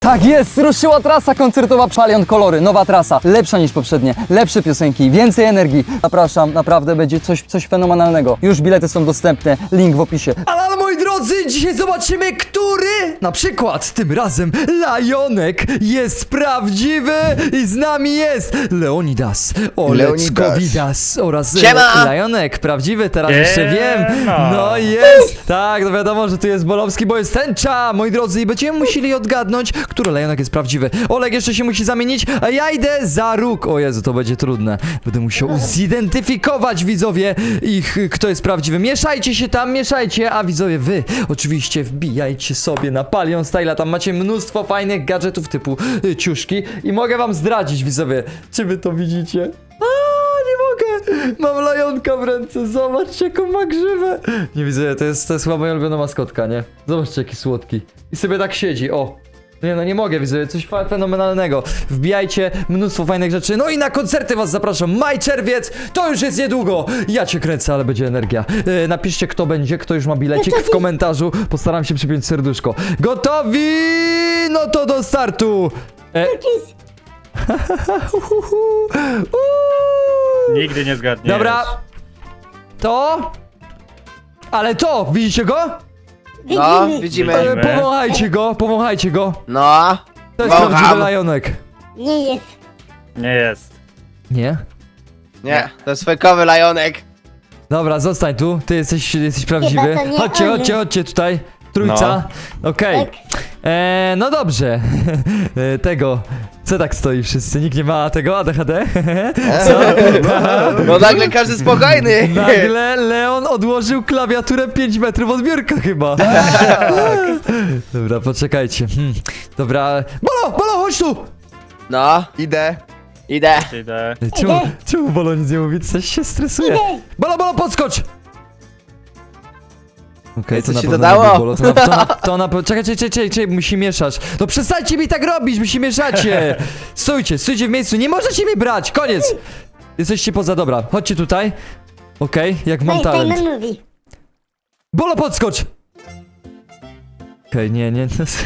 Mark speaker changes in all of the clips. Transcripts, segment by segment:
Speaker 1: Tak jest, ruszyła trasa koncertowa Palion Kolory, nowa trasa, lepsza niż poprzednie, lepsze piosenki, więcej energii. Zapraszam, naprawdę będzie coś fenomenalnego. Już bilety są dostępne, link w opisie. Ale moi drodzy, dzisiaj zobaczymy, który na przykład tym razem Lajonek jest prawdziwy i z nami jest Leonidas, Oleckowidas oraz
Speaker 2: Siema!
Speaker 1: Lajonek, prawdziwy, teraz jeszcze wiem.
Speaker 3: Siema!
Speaker 1: No jest, tak, no wiadomo, że tu jest Bolowski, bo jest tęcza, moi drodzy, i będziemy musieli odgadnąć, który Lajonek jest prawdziwy. Olek jeszcze się musi zamienić, a ja idę za róg. O Jezu, to będzie trudne. Będę musiał zidentyfikować, widzowie, kto jest prawdziwy. Mieszajcie się tam, mieszajcie, a widzowie, wy oczywiście wbijajcie sobie na Palion Style, tam macie mnóstwo fajnych gadżetów typu ciuszki i mogę wam zdradzić, widzowie, czy wy to widzicie? Nie mogę! Mam Lajonka w ręce, zobaczcie jaką ma grzywę. Nie widzę, to jest chyba moja ulubiona maskotka, nie? Zobaczcie jaki słodki. I sobie tak siedzi, o. Nie no, nie mogę, widzę, coś fenomenalnego. Wbijajcie, mnóstwo fajnych rzeczy. No i na koncerty was zapraszam. Maj, czerwiec, to już jest niedługo. Ja cię kręcę, ale będzie energia. Napiszcie kto będzie, kto już ma bilecik w komentarzu. Postaram się przypiąć serduszko. Gotowi? No to do startu.
Speaker 3: Nigdy nie zgadniesz.
Speaker 1: Dobra. To? Ale to, widzicie go?
Speaker 2: No, widzimy.
Speaker 1: Powąchajcie go.
Speaker 2: No.
Speaker 1: To jest
Speaker 2: Wącham.
Speaker 1: prawdziwy Lajonek.
Speaker 4: Nie jest.
Speaker 3: Nie jest.
Speaker 1: Nie?
Speaker 2: Nie, to jest fejkowy Lajonek.
Speaker 1: Dobra, zostań tu, ty jesteś prawdziwy.
Speaker 4: Chyba to nie
Speaker 1: Chodźcie,
Speaker 4: on.
Speaker 1: chodźcie tutaj. Trójca. Okej.
Speaker 4: Tak.
Speaker 1: No dobrze. Tego. Co tak stoi wszyscy? Nikt nie ma tego ADHD? Co?
Speaker 2: No nagle każdy spokojny.
Speaker 1: Nagle Leon odłożył klawiaturę 5 metrów od biurka chyba. Dobra, poczekajcie. Dobra. Bolo, chodź tu!
Speaker 2: No,
Speaker 5: Idę.
Speaker 2: idę.
Speaker 3: Idę.
Speaker 1: Czemu Bolo nic nie mówi? Coś się stresuje.
Speaker 4: Idę.
Speaker 1: Bolo, podskocz! Okej,
Speaker 2: Co
Speaker 1: to na
Speaker 2: ci
Speaker 1: pewno
Speaker 2: dodało?
Speaker 1: nie był Bolo. To na pewno... Czekaj, musi mieszać. No przestańcie mi tak robić, musi mieszacie! Stójcie w miejscu, nie możecie mi brać, koniec! Jesteście poza, dobra, chodźcie tutaj. Okej, jak mam talent.
Speaker 4: Simon mówi.
Speaker 1: Bolo, podskocz! Okej, nie.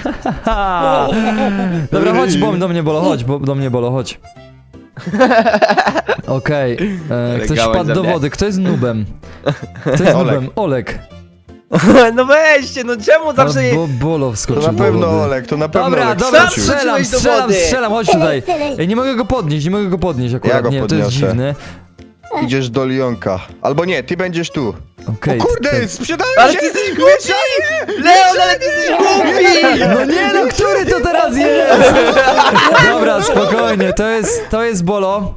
Speaker 1: Dobra, chodź do mnie, Bolo, chodź. Okej, ktoś
Speaker 2: gałąź
Speaker 1: wpadł
Speaker 2: za
Speaker 1: do
Speaker 2: mnie.
Speaker 1: wody, kto jest nubem? Kto jest
Speaker 5: Olek.
Speaker 1: nubem? Olek.
Speaker 2: No weźcie, no czemu zawsze...
Speaker 1: Bolo
Speaker 5: To
Speaker 1: wskoczył
Speaker 5: na
Speaker 1: do
Speaker 5: pewno
Speaker 1: wody.
Speaker 5: Olek, to na pewno
Speaker 1: Dobra,
Speaker 5: Olek
Speaker 1: dobra,
Speaker 5: wskoczył.
Speaker 2: Wskoczyłeś do wody.
Speaker 1: strzelam, chodź tutaj.
Speaker 4: Strzelaj.
Speaker 1: Ej, nie mogę go podnieść akurat,
Speaker 5: Ja go
Speaker 1: nie, to jest
Speaker 5: podniosę.
Speaker 1: dziwne.
Speaker 5: Idziesz do Lionka. Albo nie, ty będziesz tu.
Speaker 1: Okej.
Speaker 5: Kurde, sprzedałem
Speaker 2: Ale
Speaker 5: się!
Speaker 2: ty jesteś głupi! Leon, ale ty jesteś głupi!
Speaker 1: No nie no, który to teraz jest? Dobra, spokojnie, to jest Bolo.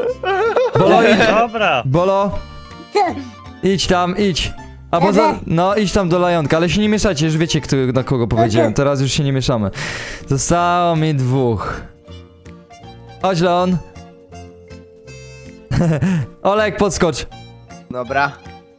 Speaker 3: Dobra.
Speaker 1: Bolo,
Speaker 4: Co?
Speaker 1: idź. A poza... No, idź tam do Lajonka, ale się nie mieszacie, już wiecie, na kogo powiedziałem. Teraz już się nie mieszamy. Zostało mi 2. Chodź, Leon. Olek, podskocz.
Speaker 2: Dobra.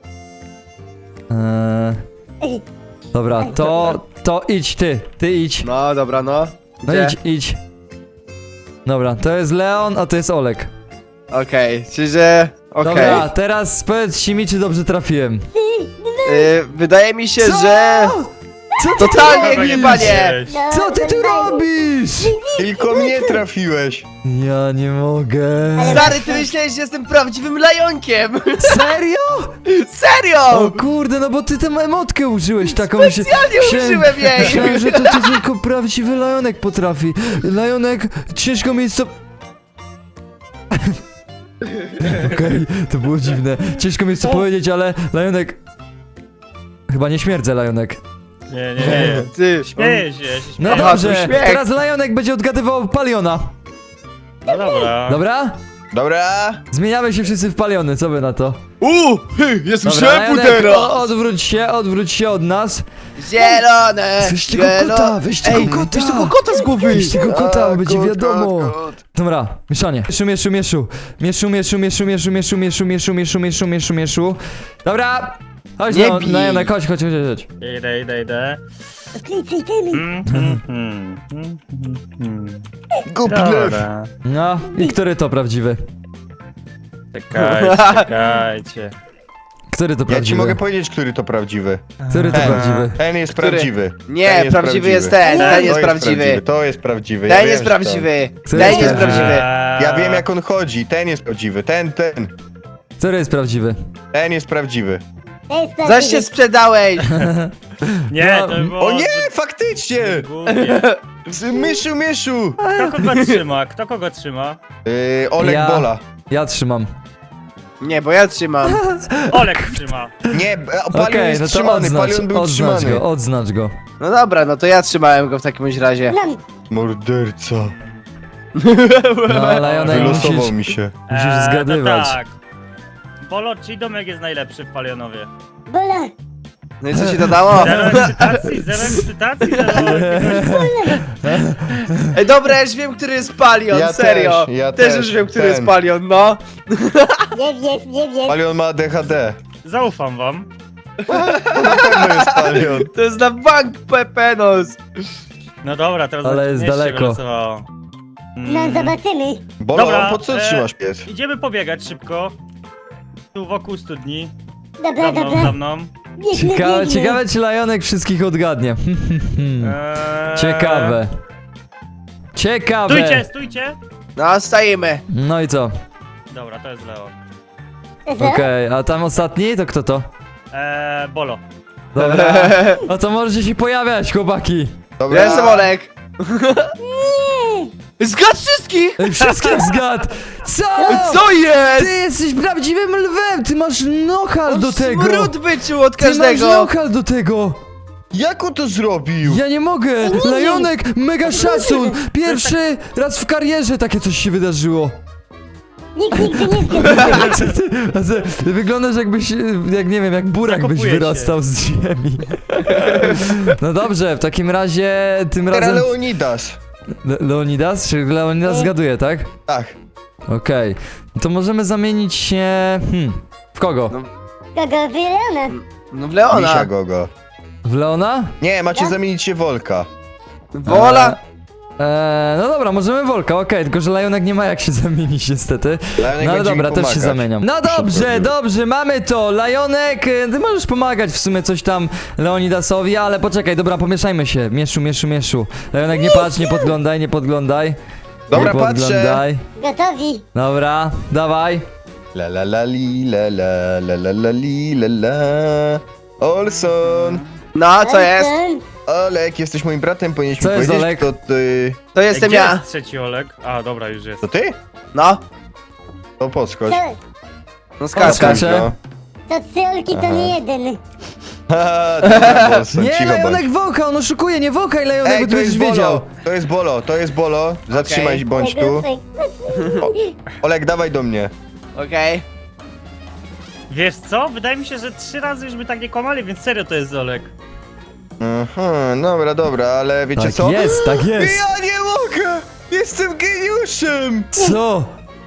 Speaker 1: Dobra, to idź ty idź.
Speaker 2: No, dobra, no.
Speaker 1: No
Speaker 2: Gdzie?
Speaker 1: idź. Dobra, to jest Leon, a to jest Olek.
Speaker 2: Okej, czyli że... Okej.
Speaker 1: Dobra, teraz powiedzcie mi, czy dobrze trafiłem.
Speaker 2: Wydaje mi się,
Speaker 1: Co?
Speaker 2: że...
Speaker 1: Co ty
Speaker 2: Totalnie
Speaker 1: tu robisz?
Speaker 2: chyba nie.
Speaker 4: No,
Speaker 1: Co ty tu robisz?
Speaker 5: Tylko mnie trafiłeś.
Speaker 1: Ja nie mogę.
Speaker 2: Stary, ty myślałeś, że jestem prawdziwym Lajonkiem!
Speaker 1: Serio?
Speaker 2: Serio!
Speaker 1: O kurde, no bo ty tę emotkę użyłeś taką.
Speaker 2: Specjalnie użyłem jej.
Speaker 1: Myślałem, że to tylko prawdziwy Lajonek potrafi. Lajonek, ciężko mi jest to... Okej, to było dziwne. Ciężko mi jest to powiedzieć, ale Lajonek... Chyba nie śmierdzę, Lajonek.
Speaker 3: Nie.
Speaker 2: Ty,
Speaker 3: Śmieję się,
Speaker 1: No
Speaker 2: Aha,
Speaker 1: dobrze,
Speaker 2: to śmiech.
Speaker 1: teraz Lajonek będzie odgadywał Paliona.
Speaker 3: No dobra.
Speaker 1: Dobra?
Speaker 5: Dobra.
Speaker 1: Zmieniamy się wszyscy w Paliony, co wy na to?
Speaker 2: jestem
Speaker 1: Dobra, Lajonek, odwróć się od nas.
Speaker 2: Zielone!
Speaker 1: Weźcie go kota, weźcie go kota.
Speaker 2: Weź tego kota z głowy!
Speaker 1: Weźcie go kota, będzie
Speaker 5: Kot,
Speaker 1: wiadomo.
Speaker 5: kot.
Speaker 1: Dobra, mieszanie. Mieszu. Dobra. Chodź,
Speaker 2: Nie
Speaker 1: no,
Speaker 2: bij.
Speaker 1: Lajonek, chodź.
Speaker 3: Idę.
Speaker 4: Odkryj temy.
Speaker 5: Głupi lew.
Speaker 3: Dobra.
Speaker 1: No, i który to prawdziwy?
Speaker 3: Czekajcie.
Speaker 1: Który to
Speaker 5: Ja ci
Speaker 1: prawdziwy?
Speaker 5: mogę powiedzieć, który to prawdziwy.
Speaker 1: Który to prawdziwy?
Speaker 5: Ten jest
Speaker 2: Który?
Speaker 5: prawdziwy.
Speaker 2: Nie,
Speaker 5: Ten jest
Speaker 2: prawdziwy jest ten,
Speaker 5: To
Speaker 2: ten jest prawdziwy.
Speaker 5: To jest prawdziwy.
Speaker 2: Ten
Speaker 5: wiem,
Speaker 2: jest
Speaker 5: że to.
Speaker 2: prawdziwy.
Speaker 1: Który
Speaker 2: Ten
Speaker 1: jest
Speaker 2: jest
Speaker 1: prawdziwy?
Speaker 2: prawdziwy.
Speaker 5: Ja wiem jak on chodzi. Ten jest prawdziwy. Ten.
Speaker 1: Który jest prawdziwy?
Speaker 5: Ten jest prawdziwy.
Speaker 4: To jest
Speaker 2: Zaś
Speaker 4: prawdziwy.
Speaker 2: się sprzedałeś.
Speaker 3: Nie,
Speaker 1: No,
Speaker 3: to było...
Speaker 5: O nie, faktycznie!
Speaker 3: Głupie.
Speaker 5: Myszu!
Speaker 3: Kto kogo trzyma? Kto kogo trzyma?
Speaker 5: Olek
Speaker 1: Ja.
Speaker 5: Bola.
Speaker 1: Ja trzymam.
Speaker 2: Nie, bo ja trzymam.
Speaker 3: Olek trzyma.
Speaker 5: Nie, Palion
Speaker 1: Okej,
Speaker 5: jest
Speaker 1: no to
Speaker 5: trzymany, Palion był
Speaker 1: odznacz
Speaker 5: trzymany.
Speaker 1: go, odznacz go.
Speaker 2: No dobra, no to ja trzymałem go w takim bądź razie.
Speaker 4: Mam.
Speaker 5: Morderca.
Speaker 1: No, Lajonek,
Speaker 5: Wylosował mi się.
Speaker 1: musisz zgadywać.
Speaker 3: To tak. Bolo, czyj domek jest najlepszy w Palionowie?
Speaker 4: Bola.
Speaker 2: No i co się dodało?
Speaker 3: Zero ekscytacji, zero.
Speaker 2: Ej, dobra, ja już wiem, który jest Palion,
Speaker 5: Ja
Speaker 2: serio.
Speaker 5: też, ja
Speaker 2: też
Speaker 5: też,
Speaker 2: już wiem, który
Speaker 5: ten.
Speaker 2: jest Palion, no.
Speaker 4: Nie wiesz.
Speaker 5: Palion ma ADHD.
Speaker 3: Zaufam wam.
Speaker 5: Na pewno jest Palion.
Speaker 2: To jest na bank Pepenos.
Speaker 3: No dobra, teraz
Speaker 1: Ale jest
Speaker 3: nie się
Speaker 1: daleko.
Speaker 3: wylosowało.
Speaker 4: No zobaczymy.
Speaker 5: Bolo,
Speaker 3: Dobra,
Speaker 5: po co trzymasz pies?
Speaker 3: Idziemy pobiegać szybko. Tu wokół studni.
Speaker 4: Dobra,
Speaker 3: Za mną,
Speaker 4: dobra.
Speaker 3: za mną.
Speaker 4: Biegnę,
Speaker 1: Ciekawe,
Speaker 4: biegnę.
Speaker 1: ciekawe czy Lajonek wszystkich odgadnie. Ciekawe. Ciekawe.
Speaker 3: Stójcie!
Speaker 2: No, stajemy.
Speaker 1: No i co?
Speaker 3: Dobra, to jest Leo.
Speaker 1: Okej, a tam ostatni to kto to?
Speaker 3: Bolo.
Speaker 1: Dobra. No to możecie się pojawiać, chłopaki.
Speaker 5: Dobra.
Speaker 2: Ja jestem Olek. Zgadł wszystkich!
Speaker 1: Ej, wszystkich zgadł. Co?
Speaker 2: Co
Speaker 1: Ty
Speaker 2: jest?
Speaker 1: jesteś prawdziwym lwem, ty masz nohal do tego.
Speaker 2: Smród wyczuł od
Speaker 1: Ty masz
Speaker 2: każdego.
Speaker 1: nohal do tego.
Speaker 5: Jak on to zrobił?
Speaker 1: Ja nie mogę. Lajonek, mega szacun. Pierwszy raz w karierze takie coś się wydarzyło.
Speaker 4: Nikt nigdy nie zgadł.
Speaker 1: Ty wyglądasz jakbyś, jak nie wiem, jak burak byś
Speaker 3: Zakopuje się.
Speaker 1: wyrastał z ziemi. No dobrze, w takim razie tym
Speaker 5: Teraz
Speaker 1: razem...
Speaker 5: Leonidas.
Speaker 1: Leonidas? Czy Leonidas zgaduje, tak?
Speaker 5: Tak.
Speaker 1: Okej. No to możemy zamienić się... w kogo?
Speaker 4: Kogo Leona?
Speaker 2: No w Leona.
Speaker 5: Misia Gogo.
Speaker 1: W Leona?
Speaker 5: Nie, macie zamienić się Wolka.
Speaker 2: Wola.
Speaker 1: No dobra, możemy Wolka, okej, tylko że Lajonek nie ma jak się zamienić niestety.
Speaker 5: Lajonek
Speaker 1: No ale
Speaker 5: będzie mi
Speaker 1: dobra, też się
Speaker 5: pomagać.
Speaker 1: zamieniam. No dobrze,
Speaker 5: zrobił.
Speaker 1: dobrze, mamy to. Lajonek, ty możesz pomagać w sumie coś tam Leonidasowi, ale poczekaj, dobra, pomieszajmy się. Mieszu. Lajonek, nie patrz, nie podglądaj.
Speaker 5: Dobra,
Speaker 1: nie
Speaker 5: patrzę.
Speaker 1: podglądaj.
Speaker 4: Gotowi.
Speaker 1: Dobra, dawaj.
Speaker 5: La la la li la la la la la li la la. Olson.
Speaker 2: No, co jest?
Speaker 5: Olek, jesteś moim bratem, powinieneś
Speaker 1: Co
Speaker 5: mi
Speaker 1: jest,
Speaker 5: powiedzieć,
Speaker 1: Olek?
Speaker 5: kto ty...
Speaker 2: To jestem
Speaker 3: Gdzie
Speaker 2: ja.
Speaker 3: jest trzeci Olek? A, dobra, już jest.
Speaker 5: To ty?
Speaker 2: No,
Speaker 5: To podskocz.
Speaker 2: no skacz.
Speaker 1: Skaczę.
Speaker 5: No.
Speaker 4: To trzy olki to nie jeden.
Speaker 5: Haha, dobra, Olson,
Speaker 1: Nie,
Speaker 5: cicho bądź.
Speaker 1: Lajonek wącha, on oszukuje, nie wąchaj Lajonek,
Speaker 5: Ej,
Speaker 1: bo ty
Speaker 5: to
Speaker 1: będziesz
Speaker 5: jest
Speaker 1: wiedział.
Speaker 5: Bolo, to jest Bolo, zatrzymaj bądź tu. Olek, dawaj do mnie.
Speaker 2: Okej.
Speaker 3: Wiesz co? Wydaje mi się, że 3 razy już by tak nie kłamali, więc serio to jest Olek.
Speaker 5: Aha, dobra, ale wiecie
Speaker 1: Tak
Speaker 5: co?
Speaker 1: jest, tak jest.
Speaker 5: Ja nie mogę! Jestem geniuszem!
Speaker 1: Co?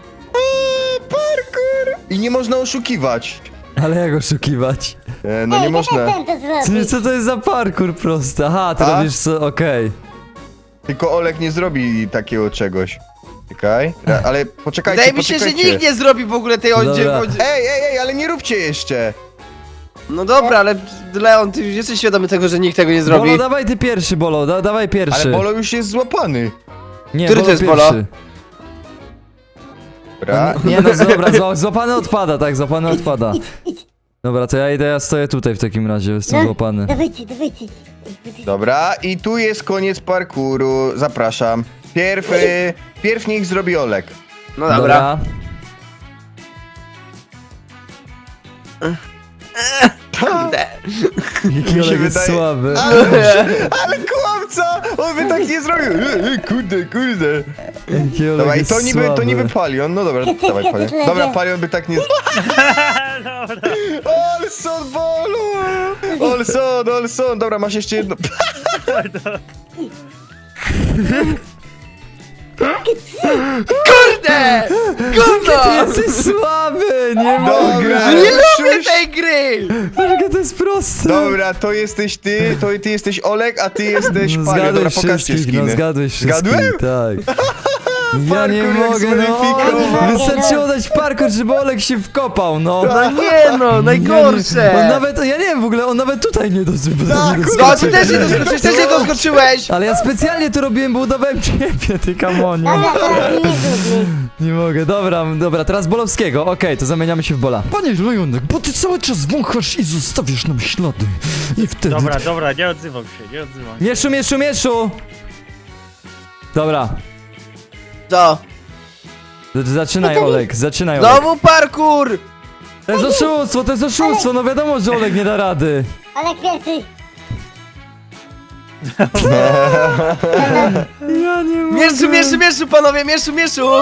Speaker 5: Parkour! I nie można oszukiwać.
Speaker 1: Ale jak oszukiwać?
Speaker 5: No nie
Speaker 4: Ej,
Speaker 5: można.
Speaker 4: to ten to zrobić.
Speaker 1: Co to jest za parkour prosty? Aha, ty
Speaker 5: A?
Speaker 1: robisz co, okej.
Speaker 5: Tylko Olek nie zrobi takiego czegoś. Czekaj, ale poczekajcie,
Speaker 2: Wydaje mi się, że
Speaker 5: poczekajcie.
Speaker 2: nikt nie zrobi w ogóle tej oddzie...
Speaker 1: Dobra.
Speaker 5: Ej, ale nie róbcie jeszcze!
Speaker 2: No dobra, ale Leon, ty już jesteś świadomy tego, że nikt tego nie zrobi.
Speaker 1: Bolo, dawaj ty pierwszy, Bolo, dawaj pierwszy.
Speaker 5: Ale Bolo już jest złapany.
Speaker 1: Nie,
Speaker 2: Który
Speaker 1: Bolo
Speaker 2: to jest
Speaker 1: pierwszy.
Speaker 2: Bolo?
Speaker 5: Dobra.
Speaker 1: Nie no, dobra, złapany odpada, tak, złapany odpada.
Speaker 4: Idź.
Speaker 1: Dobra, to ja stoję tutaj w takim razie, jestem
Speaker 4: No,
Speaker 1: złapany.
Speaker 4: Dawajcie.
Speaker 5: Dobra, i tu jest koniec parkouru. Zapraszam. Pierw niech zrobi Olek.
Speaker 2: No dobra. Kurde.
Speaker 1: Jaki
Speaker 5: Mi się
Speaker 1: Olek jest
Speaker 5: wydaje-
Speaker 1: słaby.
Speaker 5: Ale kłamca! On by tak nie zrobił. Kurde.
Speaker 1: Jaki Olek
Speaker 5: Dobra, i
Speaker 1: jest
Speaker 5: to
Speaker 1: słaby.
Speaker 5: niby Palion. No dobra, dawaj Palion. Dobra, Palion by tak nie...
Speaker 3: Dobra.
Speaker 5: Olson, Bolu! Olson. Dobra, masz jeszcze jedno.
Speaker 2: Kurde!
Speaker 1: Ty
Speaker 2: Gówno!
Speaker 1: jesteś słaby, nie
Speaker 5: Dobra,
Speaker 1: mogę.
Speaker 2: Nie lubię
Speaker 5: Szuś.
Speaker 2: tej gry!
Speaker 1: Jakie to jest proste.
Speaker 5: Dobra, to jesteś ty, ty jesteś Olek, a ty jesteś
Speaker 1: No,
Speaker 5: Palion. Dobra,
Speaker 1: zgadłeś
Speaker 5: pokażcie
Speaker 1: wszystkich, no
Speaker 5: skiny.
Speaker 1: zgadłeś wszystkich,
Speaker 5: Zgadłem?
Speaker 1: tak. Ja nie
Speaker 5: Parkour jak
Speaker 1: mogę, no.
Speaker 5: zweryfikował.
Speaker 1: Wystarczyło dać parkour, żeby Olek się wkopał, no.
Speaker 2: No nie no, najgorsze.
Speaker 1: On nawet, ja nie wiem w ogóle, on nawet tutaj nie doskoczył.
Speaker 2: No, ty też nie doskoczyłeś, też nie doskoczyłeś.
Speaker 1: Ale ja specjalnie to robiłem, bo udawałem ciebie, ty kamonie.
Speaker 4: Dobra, teraz mnie zrób.
Speaker 1: Nie mogę, dobra, teraz Bolowskiego. Okej, to zamieniamy się w Bola. Panie Lejonek, bo ty cały czas wąchasz i zostawiasz nam ślady. I wtedy...
Speaker 3: Dobra, nie odzywam się.
Speaker 1: Mieszu! Dobra,
Speaker 2: Co?
Speaker 1: zaczynaj Olek, zaczynaj Olek.
Speaker 2: Znowu parkour.
Speaker 1: To jest oszustwo, no wiadomo, że Olek nie da rady.
Speaker 4: Olek pierwszy.
Speaker 1: Ja nie mogę.
Speaker 2: Mieszu, panowie, mieszu.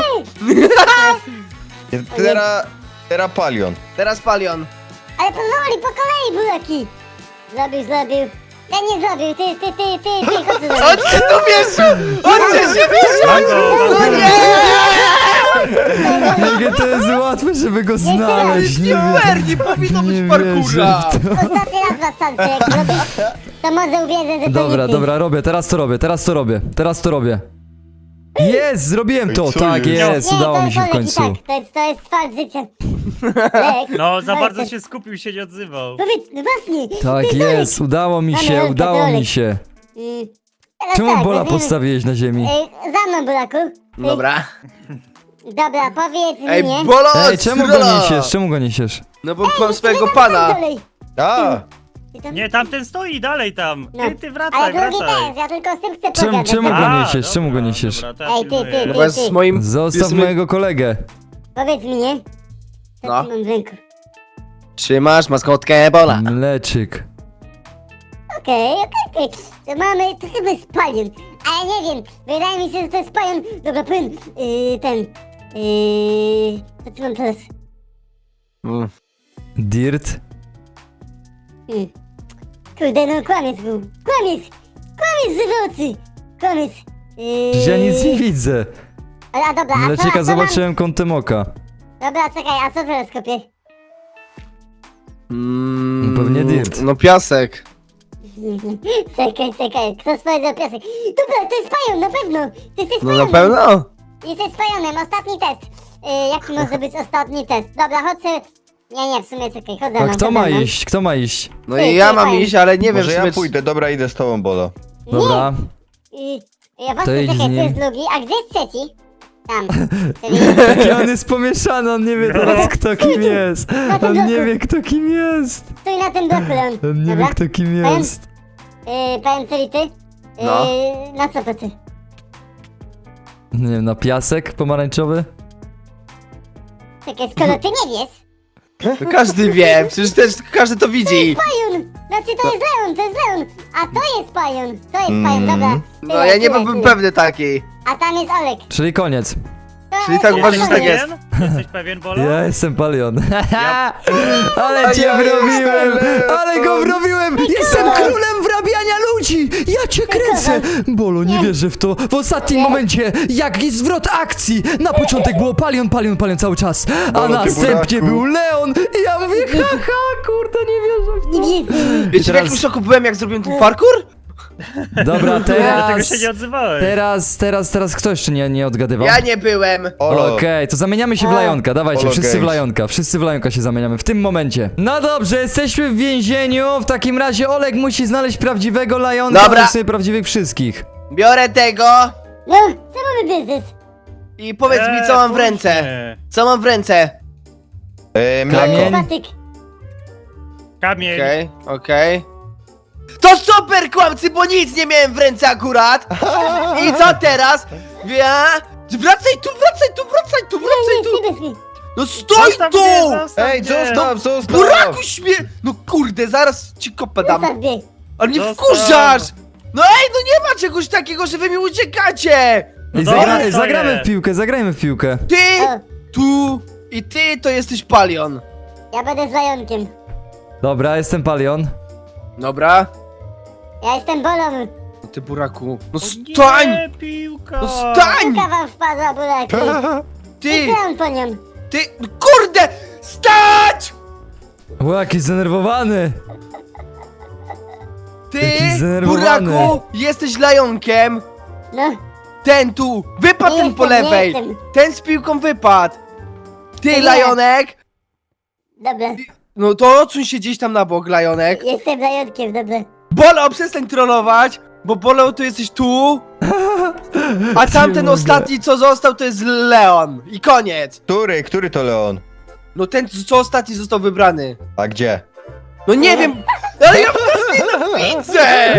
Speaker 5: Teraz Palion.
Speaker 2: Teraz Palion.
Speaker 4: Ale powoli, po kolei, buraki. Zrobił. Ten nie zrobił, ty, chodź tu.
Speaker 2: Chodźcie tu, mieszu! Chodźcie się, mieszu! No nie!
Speaker 1: Jakie to jest łatwe, żeby go znaleźć.
Speaker 2: Nie fair, nie powinno być
Speaker 1: nie
Speaker 2: parkoura.
Speaker 1: wierzę w to.
Speaker 4: Ostatni raz was sądzę, jak zrobisz, to może uwierzę, że to
Speaker 1: Dobra,
Speaker 4: nie ty.
Speaker 1: dobra, robię, teraz to robię. Jest, zrobiłem to,
Speaker 5: Ej, co
Speaker 1: tak
Speaker 5: jest?
Speaker 1: jest,
Speaker 4: Nie,
Speaker 1: udało
Speaker 4: to
Speaker 1: mi
Speaker 4: jest
Speaker 1: się w
Speaker 4: Olek i
Speaker 1: końcu.
Speaker 4: tak, to jest fakt życia. Lek,
Speaker 3: No, za
Speaker 4: Olek,
Speaker 3: bardzo
Speaker 4: to-
Speaker 3: się skupił, się nie odzywał.
Speaker 4: Powiedz, no właśnie.
Speaker 1: Tak
Speaker 4: ty,
Speaker 1: jest, udało mi się,
Speaker 4: Olek,
Speaker 1: udało
Speaker 4: Olek.
Speaker 1: mi się.
Speaker 4: Teraz
Speaker 1: Czemu
Speaker 4: tak,
Speaker 1: Bola
Speaker 4: weźmiemy-
Speaker 1: postawiłeś na ziemi?
Speaker 4: Za mną, buraku.
Speaker 2: Dobra.
Speaker 4: Dobra, powiedz
Speaker 2: Ej,
Speaker 4: mnie.
Speaker 2: Bolo,
Speaker 1: Ej, czemu go niesiesz, czemu go niesiesz?
Speaker 2: No bo mam swojego pana.
Speaker 4: Dalej.
Speaker 5: A,
Speaker 4: Ty tam-
Speaker 3: Nie, tamten stoi dalej tam.
Speaker 4: No.
Speaker 3: Ty wracaj,
Speaker 4: Ale drugi
Speaker 3: wracaj.
Speaker 4: też, ja tylko z tym chcę
Speaker 1: Czemu,
Speaker 4: pogadać.
Speaker 1: czemu go
Speaker 3: A,
Speaker 1: niesiesz, czemu go
Speaker 3: dobra,
Speaker 1: niesiesz?
Speaker 3: dobra, to ja
Speaker 4: Ej, ty,
Speaker 3: pilnuję.
Speaker 2: No bo jest z moim...
Speaker 1: Zostaw
Speaker 2: jest
Speaker 1: mojego kolegę.
Speaker 4: Powiedz mi, nie? Co
Speaker 2: No.
Speaker 4: ty mam w ręku?
Speaker 2: Trzymasz maskotkę Bola.
Speaker 1: Mleczyk.
Speaker 4: Okej. To mamy, to chyba jest palion. Ale nie wiem, wydaje mi się, że to jest palion. Dobra, powiem, to co mam teraz?
Speaker 1: Dirt.
Speaker 4: Kurde, no kłamiec był. Kłamiec z oczy. Kłamiec.
Speaker 1: Przecież ja nic nie widzę.
Speaker 4: A dobra, a
Speaker 1: Mleczyka
Speaker 4: co mam?
Speaker 1: zobaczyłem kątem oka.
Speaker 4: Dobra, czekaj, a co teraz kopię?
Speaker 1: Pewnie dirt.
Speaker 2: No piasek.
Speaker 4: Czekaj, kto powiedział piasek? Dobra, to jest palion, na pewno. Ty jesteś
Speaker 2: No na
Speaker 4: pajonem.
Speaker 2: pewno.
Speaker 4: Jesteś pajonem, ostatni test. Jaki może być ostatni test? Dobra, chodź sobie... Nie, w sumie czekaj, chodź za
Speaker 1: A
Speaker 4: mną,
Speaker 1: kto
Speaker 4: chodź za
Speaker 1: ma
Speaker 4: mną.
Speaker 1: iść? Kto ma iść?
Speaker 2: No i ja mam iść, ale nie wiem
Speaker 5: może
Speaker 2: w
Speaker 5: ja
Speaker 2: sumie...
Speaker 5: pójdę, dobra, idę z tobą, Bolo.
Speaker 1: Dobra.
Speaker 4: Ja właśnie,
Speaker 1: To idź z
Speaker 4: czekaj, tu
Speaker 1: nim.
Speaker 4: jest drugi, a gdzie jest trzeci? Tam. Czyli...
Speaker 1: Jaki on jest pomieszany, on nie wie teraz kto kim jest. On nie wie kto kim jest.
Speaker 4: Stój na tym bloku, Leon.
Speaker 1: On nie wie
Speaker 4: Dobra?
Speaker 1: kto kim
Speaker 4: Powiem-
Speaker 1: jest.
Speaker 4: Powiem co ty?
Speaker 2: No.
Speaker 4: Na co ty?
Speaker 1: Nie wiem, na piasek pomarańczowy?
Speaker 4: Czekaj, skoro ty nie wiesz...
Speaker 2: To każdy wie, przecież też każdy to widzi.
Speaker 4: Pajon! Znaczy to jest Leon, a to jest pajon. To jest pajon, dobra.
Speaker 2: No ja nie byłbym pewny takiej.
Speaker 4: A tam jest Olek.
Speaker 1: Czyli koniec.
Speaker 4: To
Speaker 2: Czyli tak
Speaker 4: jest
Speaker 2: uważasz, że tak
Speaker 4: Olek.
Speaker 2: jest?
Speaker 3: Jesteś pewien, Bolo?
Speaker 1: Ja jestem Palion.
Speaker 3: Ja-
Speaker 1: Ale cię
Speaker 5: ja
Speaker 1: wrobiłem!
Speaker 5: jestem
Speaker 1: Ale go wrobiłem! Jestem królem wrabiania ludzi! Ja cię kręcę! Bolo, nie wierzę w to. W ostatnim momencie, jaki zwrot akcji! Na początek było Palion cały czas, a
Speaker 5: Bolo, ty
Speaker 1: następnie
Speaker 5: buraku.
Speaker 1: był Leon i ja mówię, haha, kurde, nie wierzę w to.
Speaker 4: Nie widzę.
Speaker 2: Wiecie w
Speaker 1: teraz-
Speaker 2: jakim szoku byłem jak zrobiłem ten parkour?
Speaker 1: Dobra,
Speaker 3: Dlatego się nie odzywałeś.
Speaker 1: teraz kto jeszcze nie odgadywał?
Speaker 2: Ja nie byłem.
Speaker 5: Olo,
Speaker 1: Okej, to zamieniamy się w Lajonka, dawajcie,
Speaker 5: Olo
Speaker 1: wszyscy w
Speaker 5: Games.
Speaker 1: Lajonka, wszyscy w Lajonka się zamieniamy w tym momencie. No dobrze, jesteśmy w więzieniu, w takim razie Olek musi znaleźć prawdziwego Lajonka,
Speaker 2: Dobra.
Speaker 1: a w sumie prawdziwych wszystkich.
Speaker 2: Biorę tego
Speaker 4: No, co mamy biznes?
Speaker 2: i powiedz mi co mam w ręce.
Speaker 3: później.
Speaker 2: Co mam w ręce?
Speaker 5: mleko.
Speaker 1: Kamień.
Speaker 4: Patyk.
Speaker 3: Kamień.
Speaker 2: Okej. To super kłamcy, bo nic nie miałem w ręce akurat. I co teraz? Wracaj tu.
Speaker 4: Nie bez mi.
Speaker 2: No stój
Speaker 3: Zostaw
Speaker 2: tu!
Speaker 3: mnie, zostaw
Speaker 5: Ej,
Speaker 3: mnie.
Speaker 5: zostaw!
Speaker 2: Buraku śmie... No kurde, zaraz ci kopę dam.
Speaker 4: Zostaw mnie.
Speaker 2: Ale mnie
Speaker 3: Zostaw.
Speaker 2: wkurzasz! No ej, no nie ma czegoś takiego, że wy mi uciekacie!
Speaker 1: Ej,
Speaker 3: dobra, stoję.
Speaker 1: zagramy w piłkę, zagrajmy w piłkę.
Speaker 2: Ty,
Speaker 4: O,
Speaker 2: tu i ty to jesteś Palion.
Speaker 4: ja będę z Lajonkiem.
Speaker 1: Dobra, jestem Palion.
Speaker 2: Dobra.
Speaker 4: Ja jestem Bolą.
Speaker 2: No ty buraku. No
Speaker 3: O
Speaker 2: stań!
Speaker 3: Nie, piłka.
Speaker 2: No stań!
Speaker 4: Piłka wam wpadła, buraki.
Speaker 2: Ty,
Speaker 4: I co on po nią?
Speaker 2: ty, no kurde! Stać!
Speaker 1: O, jaki zdenerwowany.
Speaker 2: Ty,
Speaker 1: Jaki zdenerwowany.
Speaker 2: buraku, jesteś lajonkiem.
Speaker 4: No,
Speaker 2: Ten tu! Wypadł
Speaker 4: Nie
Speaker 2: ten po
Speaker 4: jestem, nie
Speaker 2: lewej!
Speaker 4: jestem.
Speaker 2: Ten z piłką wypadł! Ty,
Speaker 4: Nie.
Speaker 2: Lajonek!
Speaker 4: Dobra,
Speaker 2: No to odsuń się gdzieś tam na bok, Lajonek.
Speaker 4: jestem zajątkiem, dobra.
Speaker 2: Bolo, przestań trollować! Bo Bolo, to jesteś tu, a tamten
Speaker 1: mogę.
Speaker 2: ostatni, co został, to jest Leon. I koniec!
Speaker 5: Który to Leon?
Speaker 2: No ten, co ostatni został wybrany.
Speaker 5: A gdzie?
Speaker 2: No nie wiem, ale ja was nienawidzę!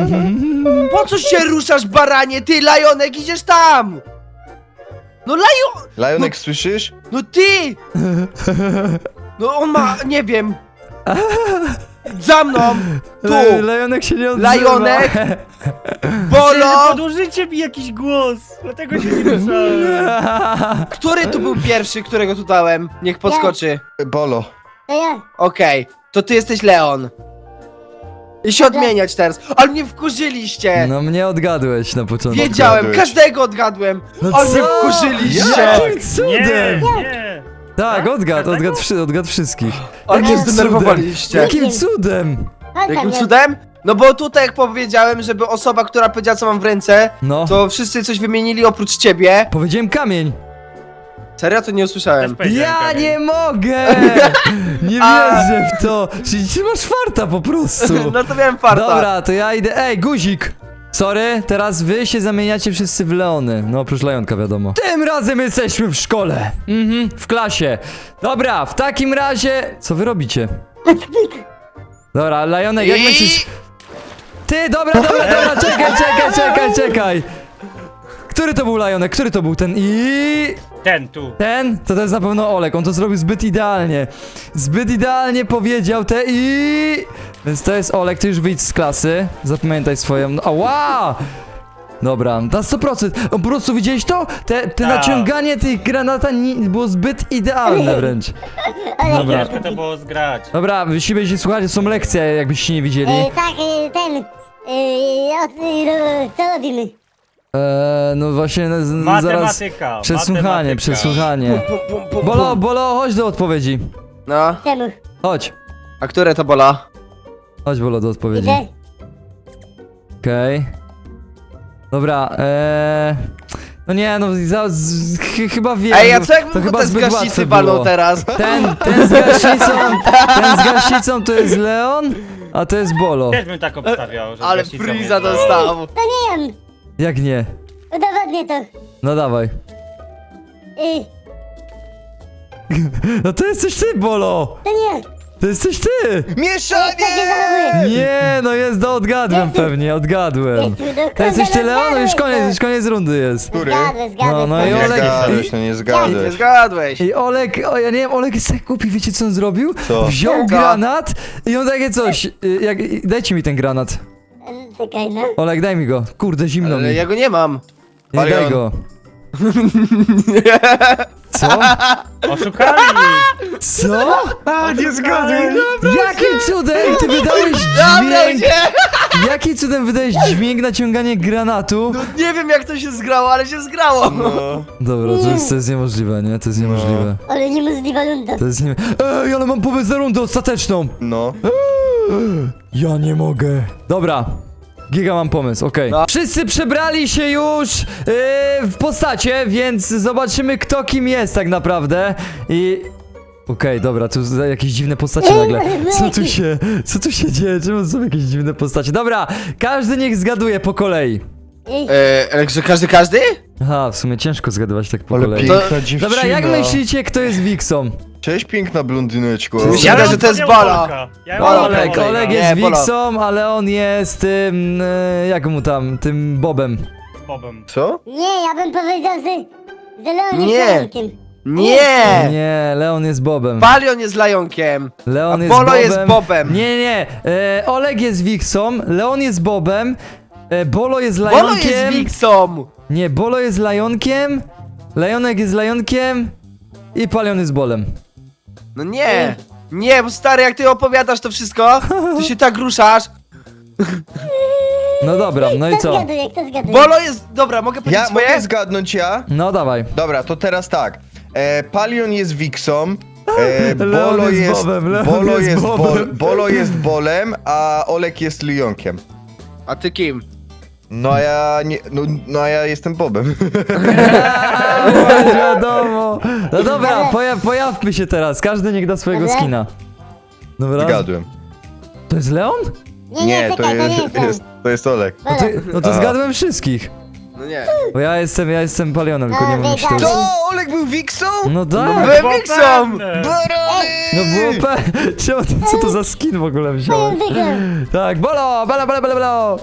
Speaker 2: Po co się ruszasz, baranie? Ty, Lajonek, idziesz tam! No
Speaker 5: Lajonek, słyszysz?
Speaker 2: no ty! No on ma, nie wiem. Za mną! Tu!
Speaker 1: Lejonek się nie odzywa.
Speaker 2: Lajonek!
Speaker 3: Bolo!
Speaker 2: Bolo!
Speaker 3: Podłożycie mi jakiś głos, dlatego się nie ruszałem.
Speaker 2: Który tu był pierwszy, którego tu dałem? Niech podskoczy.
Speaker 5: Bolo.
Speaker 4: To ja.
Speaker 2: Okej, to ty jesteś Leon. I się odmieniać teraz. Ale mnie wkurzyliście!
Speaker 1: No mnie odgadłeś na początku.
Speaker 2: Wiedziałem,
Speaker 5: odgadłeś.
Speaker 2: każdego odgadłem!
Speaker 1: No
Speaker 2: Ale mnie
Speaker 1: co?
Speaker 2: wkurzyliście!
Speaker 1: Jakim
Speaker 3: Nie,
Speaker 1: cudem?
Speaker 3: nie.
Speaker 1: Tak, odgadł
Speaker 3: Każdego?
Speaker 1: wszystkich.
Speaker 2: Ale mnie
Speaker 1: Jakim
Speaker 2: zdenerwowaliście.
Speaker 1: Jakim cudem?
Speaker 2: Jakim cudem? No bo tutaj jak powiedziałem, żeby osoba, która powiedziała co mam w ręce,
Speaker 1: No,
Speaker 2: to wszyscy coś wymienili oprócz ciebie.
Speaker 1: powiedziałem kamień.
Speaker 2: Serio? To nie
Speaker 3: Też
Speaker 2: usłyszałem.
Speaker 3: powiedziałem
Speaker 1: Ja
Speaker 3: kamień.
Speaker 1: nie mogę! Nie
Speaker 2: A.
Speaker 1: wierzę w to! Czyli ty masz farta po prostu.
Speaker 2: No to miałem farta.
Speaker 1: Dobra, to ja idę. Ej, guzik! Sorry, teraz wy się zamieniacie wszyscy w Leony. No oprócz Lejonka, wiadomo. Tym razem jesteśmy w szkole. W klasie. Dobra, w takim razie... Co wy robicie? Dobra, Lejonek, jak
Speaker 2: I-
Speaker 1: myślisz... Ty, dobra, czekaj. Który to był Lejonek? Który to był ten?
Speaker 3: Ten tu.
Speaker 1: Ten? To jest na pewno Olek, on to zrobił zbyt idealnie. Zbyt idealnie powiedział Więc to jest Olek, ty już wyjdź z klasy. Zapamiętaj swoją... Ała! Dobra, na 100%. Po prostu widziałeś to? Te
Speaker 3: Tak.
Speaker 1: naciąganie tych granata było zbyt idealne wręcz. Dobra.
Speaker 3: Ciężko to było zgrać.
Speaker 1: Dobra, jeśli się słuchać, są lekcje, jakbyście nie widzieli.
Speaker 4: Tak, ten. Co robimy?
Speaker 1: No właśnie, zaraz...
Speaker 3: Matematyka.
Speaker 1: Przesłuchanie. Bolo, chodź do odpowiedzi.
Speaker 2: No,
Speaker 4: Czemu?
Speaker 1: Chodź.
Speaker 2: a które to bola?
Speaker 1: Chodź, Bolo, do odpowiedzi.
Speaker 4: Idę.
Speaker 1: Okej. Dobra, no nie, no chyba wiem.
Speaker 2: Ej, a
Speaker 1: no,
Speaker 2: co jakbym
Speaker 1: to
Speaker 2: go
Speaker 1: chyba
Speaker 2: ten z
Speaker 1: zbyt
Speaker 2: gaśnicy
Speaker 1: łatwe
Speaker 2: walnął
Speaker 1: było.
Speaker 2: teraz?
Speaker 1: Ten z gaśnicą to jest Leon, a to jest Bolo.
Speaker 3: Też bym tak obstawiał, że
Speaker 2: Ale
Speaker 3: gaśnicą
Speaker 2: Freeza
Speaker 3: jest.
Speaker 2: dostał.
Speaker 4: To nie on.
Speaker 1: Jak nie?
Speaker 4: Udowodnię to.
Speaker 1: No dawaj. No to jesteś ty, Bolo!
Speaker 4: To nie.
Speaker 1: To jesteś ty!
Speaker 4: Takie
Speaker 5: Mieszanie!
Speaker 4: zachowuję.
Speaker 1: Nie, no jest, odgadłem pewnie, odgadłem. To jesteś ty, Leon? No już koniec rundy jest.
Speaker 5: Który?
Speaker 4: Zgadłeś.
Speaker 1: No i
Speaker 5: Nie
Speaker 1: Olek-
Speaker 5: zgadłeś, no nie
Speaker 2: Nie
Speaker 5: zgadłeś.
Speaker 2: zgadłeś.
Speaker 1: I Olek, ja nie wiem, Olek jest tak głupi, wiecie co on zrobił?
Speaker 5: Co?
Speaker 1: Wziął
Speaker 2: Co?
Speaker 1: granat i on takie coś, dajcie mi ten granat.
Speaker 4: Czekaj, no.
Speaker 1: Olek, daj mi go, kurde, zimno
Speaker 2: Ale
Speaker 1: mi.
Speaker 2: ja go nie mam.
Speaker 1: Nie daj
Speaker 5: Palion.
Speaker 1: go. Co?
Speaker 3: Oszukali!
Speaker 1: Co?
Speaker 2: A, nie zgadłem.
Speaker 1: Jakim cudem ty wydałeś
Speaker 2: Dobra,
Speaker 1: dźwięk?
Speaker 2: nie.
Speaker 1: Jakim cudem wydałeś dźwięk naciągania granatu?
Speaker 2: No nie wiem jak to się zgrało, ale się zgrało.
Speaker 5: No.
Speaker 1: Dobra, to jest niemożliwe, nie? To jest niemożliwe.
Speaker 4: Ale niemożliwa runda.
Speaker 1: To jest nie... Ej, ale mam pomysł na rundę ostateczną!
Speaker 5: No.
Speaker 1: Ja nie mogę. Dobra. Giga, mam pomysł, okej.
Speaker 2: No.
Speaker 1: Wszyscy przebrali się już w postacie, więc zobaczymy kto kim jest tak naprawdę. Okej, dobra, tu jakieś dziwne postacie nagle. Co tu się dzieje? Czemu są jakieś dziwne postacie? Dobra, każdy niech zgaduje po kolei.
Speaker 2: Ale że każdy?
Speaker 1: Aha, w sumie ciężko zgadywać tak po
Speaker 5: Ale
Speaker 1: kolei.
Speaker 5: piękna dziewczyna.
Speaker 1: Dobra, jak myślicie, kto jest Wixą?
Speaker 5: Cześć, piękna blondyneczko.
Speaker 2: Myślałem, że to jest Bolo.
Speaker 1: Olek
Speaker 2: Olek,
Speaker 1: jest
Speaker 2: nie, Bolo.
Speaker 1: Wixą, ale on jest tym, jak mu tam, tym Bobem.
Speaker 3: Bobem.
Speaker 5: Co?
Speaker 4: Nie, ja bym powiedział, że Leon
Speaker 2: Nie.
Speaker 4: jest Leonkiem.
Speaker 2: Nie!
Speaker 1: Nie, Leon jest Bobem.
Speaker 2: Palion jest Lajonkiem.
Speaker 1: Leon
Speaker 2: A
Speaker 1: jest
Speaker 2: Bolo
Speaker 1: Bobem.
Speaker 2: jest Bobem.
Speaker 1: Nie. Olek jest Wixą, Leon jest Bobem, Bolo jest
Speaker 2: Bolo
Speaker 1: Lajonkiem.
Speaker 2: jest Wixą.
Speaker 1: Nie, Bolo jest Lajonkiem, Lejonek jest Lajonkiem i Palion jest Bolem.
Speaker 2: No nie. Nie, bo stary, jak ty opowiadasz to wszystko, to się tak ruszasz.
Speaker 1: No dobra, no i
Speaker 4: Kto
Speaker 1: co?
Speaker 4: zgaduje?
Speaker 2: Bolo jest... Dobra, mogę powiedzieć
Speaker 5: Ja
Speaker 2: swoje?
Speaker 5: mogę zgadnąć ja?
Speaker 1: No dawaj.
Speaker 5: Dobra, to teraz tak. Palion jest Wixą.
Speaker 1: Leon
Speaker 5: Bolo
Speaker 1: jest
Speaker 5: jest
Speaker 1: Bobem, Leon
Speaker 5: Bolo
Speaker 1: jest
Speaker 5: jest
Speaker 1: Bobem.
Speaker 5: Bolo jest Bolem, a Olek jest Lionkiem.
Speaker 2: A ty kim?
Speaker 5: No a ja nie, no a ja jestem Bobem.
Speaker 1: Wiadomo. No dobra, pojawmy się teraz. Każdy niech da swojego
Speaker 4: Dobra.
Speaker 1: skina. Dobra.
Speaker 5: Zgadłem.
Speaker 1: To jest Leon?
Speaker 4: Nie,
Speaker 5: to
Speaker 4: czekaj, to nie
Speaker 5: jest,
Speaker 4: jest.
Speaker 5: to jest Olek.
Speaker 1: No to, no to
Speaker 5: Aha.
Speaker 1: zgadłem wszystkich.
Speaker 2: No nie.
Speaker 1: Bo ja jestem palionem, tylko nie
Speaker 4: No,
Speaker 1: wiem
Speaker 4: wiedziałem.
Speaker 1: kto.
Speaker 5: To Olek był Wiksą?
Speaker 1: No tak.
Speaker 2: Byłem Wixą!
Speaker 5: Barany!
Speaker 1: No było Czemu co to za skin w ogóle wziąłeś?
Speaker 4: Wygrałem.
Speaker 1: Tak, bolo, bolo, bolo, bolo, bolo.